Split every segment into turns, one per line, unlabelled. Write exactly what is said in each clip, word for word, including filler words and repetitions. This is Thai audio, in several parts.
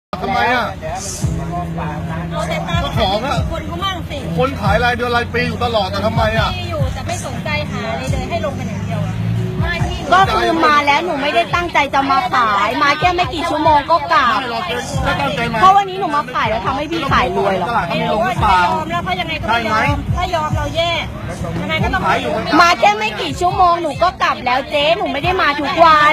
ทำไมอ่ะเจ้าของอ่ะคนเขามั่งสิคนขายรายเดือนรายปีอยู่ตลอดแต่ทำไมอ่ะ
มีอยู่แต่ไม่สนใจหาเลยเลยให้ลงกันอย่างเดียว
ก็คือมาแล้วหนูไม่ได้ตั้งใจจะมาขายมาแค่ไม่กี่ชั่วโมงก็กลับเพราะวันนี้หนูมาขายแล้วทำให้พี่ขายรวยหรอ
ไม่ลงหรือเปล่ายอ
มแล้วเพราะยังไงก็ไม่ยอมถ้ายอมเราแย่ยังไงก็ต้อง
มาแค่ไม่กี่ชั่วโมงหนูก็กลับแล้วเจ๊หนูไม่ได้มาทุกวัน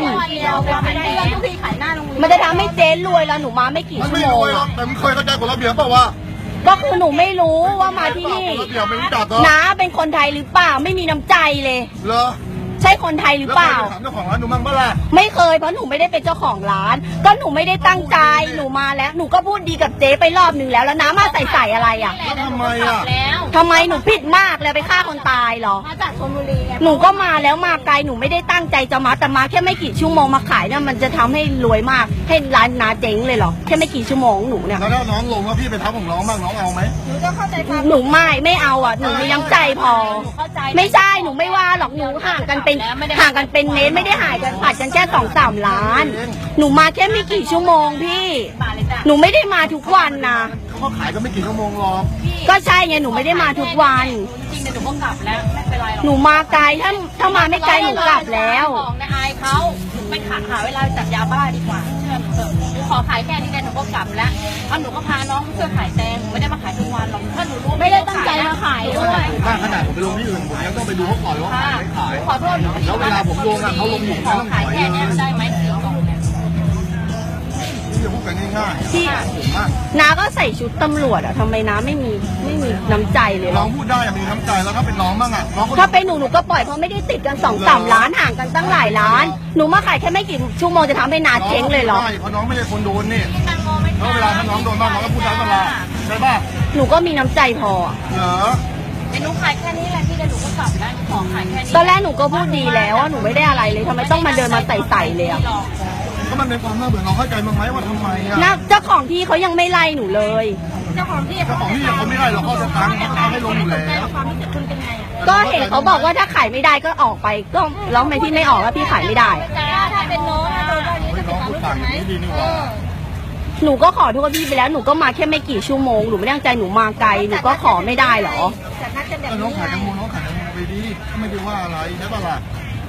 มันจะทำให้เจ๊รวยแล้วหนูมาไม่กี่ชั่วโมง
แต่มึงเคยเข้าใจกฎระเบียบเปล่าวะ
ก็คือหนูไม่รู้ว่ามาที่นี่น้าเป็นคนไทยหรือเปล่าไม่มีน้ำใจเลย
เหรอ
ใช่คนไทยหรือเปล่า
เจ้าของร้านหนูมั่งเปล่า
ไม่เคยเพราะหนูไม่ได้เป็นเจ้าของร้านก็หนูไม่ได้ตั้งใจหนูมาแล้วหนูก็พูดดีกับเจ๊ไปรอบหนึ่งแล้วแล้วน้ามาใส่ใส่อะไรอ่ะ
ทำไมอ่ะ
ทำไมหนูผิดมากเลยไปฆ่าคนตายเหรอ
มาจากชลบุรี
หนูก็มาแล้วมาไกลหนูไม่ได้ตั้งใจจะมาแต่มาแค่ไม่กี่ชั่วโมงมาขายเนี่ยมันจะทำให้รวยมากให้ร้านน้าเจ๊งเลยเหรอแค่ไม่กี่ชั่วโมงหนูเนี่ย
แล้วน้องลงว่าพี่เป็นทัพของน้องบ้างน้องเอาไหม
หนูจะเข้าใจความ
หนูไม่ไม่เอาอ่ะหนูมีน้ำใจพอไม่ใช่หนูไม่ว่าหรอกหนูห่างกันเป็นห่างกันเป็นเมตรไม่ได้หายกันผัดกันแค่สองสามล้านหนูมาแค่ไม่กี่ชั่วโมงพี่หนูไม่ได้มาทุกวันนะ
เขาขายก็ไม่กี่ชั่วโมงหรอก
ก็ใช่ไงหนูไม่ได้มาทุกวัน
จริงๆหนูก็กลับแล้วไม่เป็นไรหรอก
หนูมาไกลถ้าถ้ามาไม่ไกลหนูกลับแล้ว
ของในอายเขาไปหาหาเวลาจับยาบ้าดีกว่าเชื่อหนูเถอะหนูขอขายแค่นี้แต่หนูก็กลับแล้วเพราะหนูก็พาน้องช่วยขายแตงไม่ได้มาขายทุกวันหรอกถ้าหนูรู้
ไม่ได้ตั้งใจมาขายด้วย
ถ้าขนาดผมไปลงที่อื่นผมยังต้องไปดูเขาก่อนว่าขายไม่ขาย
ขอโทษ
แล้วเวลาผมลงอ่ะเขาลงอยู่
ขอขายแค่นี้ได้ไหมสี่กล่องเนี่ย
นี่จะพูดกันง่ายๆ
ที่น้าก็ใส่ชุดตำรวจอะทำไมน้าไม่มีไม่มีน้ำใจเลย
น้องพูดได้มีน้ำใจแล้วถ้าเป็นน้องบ้างอะ
ถ้าเป็นหนูหนูก็ปล่อยเพราะไม่ได้ติดกันสองสามล้านห่างกันตั้งหลายล้านหนูมาขายแค่ไม่กี่ชั่วโมงจะทำให้น้าเจ๊งเลยเหรอ
ใช่เพราะน้องไม่ได้คนโดนนี่แล้วเวลาถ้าน้องโดนบ้างน้องก็พูดได้ตลอดใช่ป่ะ
หนูก็มีน้ำใจพอ
เหรอ
หนูขายแค่นี้แหละที่เดี๋ยวหนูก็กลับแล้วขอขายแค่นี้
ตอนแรกหนูก็พูดดีแล้วว่าหนูไม่ได้อะไรเลยทำไมต้องมาเดินมาใส่ใส่เลยอะ
ก็มันเป็นความน่าเบื่อน้องเข้าใจมั้งไหมว่าทำไมอะ
นะเจ้าของที่เขายังไม่ไล่หนูเลย
เจ้าของที่
เจ้าของที่เขาไม่ไล่หรอกเขาจะตังค์เขาให้ลงอยู่แล้ว
ความรู้สึกคุณเป็นไงอะ
ก็เห็นเขาบอกว่าถ้าขายไม่ได้ก็ออกไปก็ร้องไปที่ไม่ออกแล้วพี่ขายไม่ได้
ถ้าเป็นน้องโดนแบบนี้จะเป็นความรู้สึกไหม
หนูก็ขอโทษพี่ไปแล้วหนูก็มาแค่ไม่กี่ชั่วโมงหนูไม่ตั้งใจหนูมาไกลหนูก็ขอไม่ได้หรอ
น้องขายแตงโมน้องขายแตงโมไปดีไม่ได้ว่าอะไรใช่ป่ะล่ะ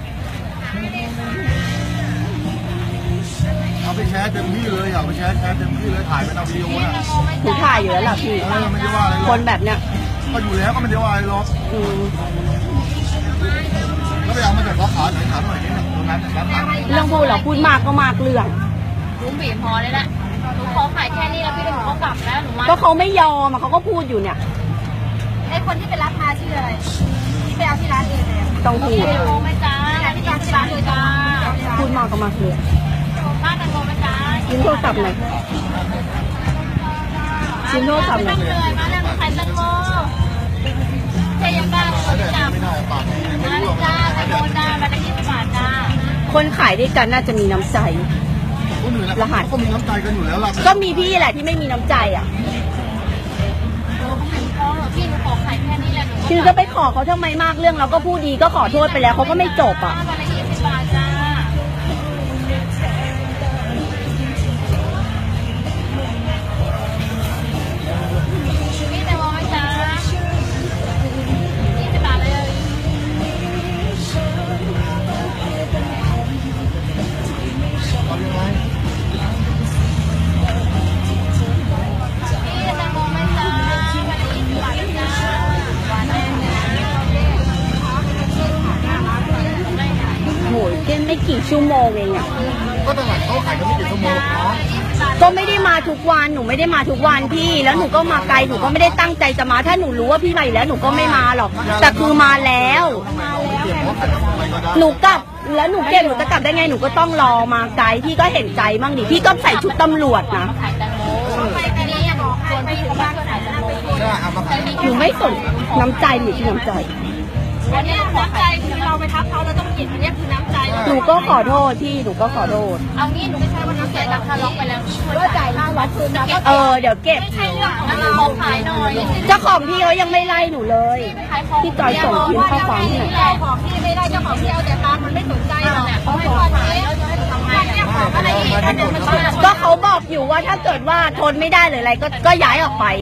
เอาไปแชร์เต็มที่เลยเอาไปแชร์แชร์เต็มที่เลยถ่ายเป็นเอาวิดีโอนะ
หนูถ่ายอยู่แล้วล่ะพี่
ไม่ได้ว่าอะไร
คนแบบเนี้ย
ก็อยู่แล้วก็ไม่ได้ว่าอะไรหรอกแล้วไปเอามาจากร้านขายไหนขายหน่อยนิดนึงตรงนั้น
เรื่องพูดเหรอพูดมากก็มากเรื่อง
รู้บีบพอเลยแหละหนูขอขายแค่นี้แล้วพี่เดี๋ยวหนูก็กลับแล้วหนูมา
ก็เขาไม่ยอมเขาก็พูดอยู่เนี่ย
ไอ้คนที่ไปรับมาชื่ออะไรที่ไปเอาที่ร้านเองเลย
ต้องพูด
โมไม่จ้าที่ร้านที่ร้านเลยจ้า
พูดมากก็มากเลย
บ้านแตงโมไม่จ้า
ชิ้นโทรศัพท์หน่อยชิ้นโทรศัพท์หน่อย
เลยมาแล้วขายแตงโมเจ๊ยังบ้าเลยจ้ามาเลยจ้าแตงโมจ้ามาได้ยี่สิบบาทจ้า
คนขายด้วยกันน่าจะมีน้ำใจ
รหัสก็มีน้ำใจกันอยู่แล้วล่ะ
ก็มีพี่แหละที่ไม่มีน้ำใจอ่ะ
พี่หนูขอขายแค่นี้แหละ
คือจะไปขอเขาทำไมมากเรื่องเราก็พูดดีก็ขอโทษไปแล้วเขาก็ไม่จบอ่ะไม่กี่ชั่วโมงเองอ่ะ
ก็ตลาดเขาขายกันไม่กี่ชั่วโมงเนาะ
ก็ไม่ได้มาทุกวันหนูไม่ได้มาทุกวันพี่แล้วหนูก็มาไกลหนูก็ไม่ได้ตั้งใจจะมาถ้าหนูรู้ว่าพี่มาอยู่แล้วหนูก็ไม่มาหรอกแต่คือมาแล้วหนูกลับแล้วหนูเก็บหนูจะกลับได้ไงหนูก็ต้องรอมาไกลพี่ก็เห็นใจบ้างดิพี่ก็ใส่ชุดตำรวจนะหนูไม่สนน้ำใจหนูที่น้ำใจ
อันนี้น้ำใจคือเราไปทับเขาเราต้องหยิบอันนี้คือน้ำใจ
หนูก็ขอโทษพี่หนูก็ขอโทษ
เอางี้หนูไม่ใช่ว่าน้ำใจราคาล็อกไปแล้วก็จ่ายค่าวัดคืนมา
เออเดี๋ยวเก็บ
ไม่ใช่เรื่องของเราขายหน่อย
เจ้าของพี่เขายังไม่ไล่หนูเลยพี่จอยส่งพิมพ์ข้อความให้หน่อย
เจ้าของพี่ไม่ได้เจ้าของพี่เอาแต่ตามันไม่สนใจหรอกเขาให้ว่าเจ๊ไงเนี่ยของอะไรอีกอันนึงมันบ้า
ก็เขาบอกอยู่ว่าถ้าเกิดว่าทนไม่ได้หรืออะไรก็ก็ย้ายออกไป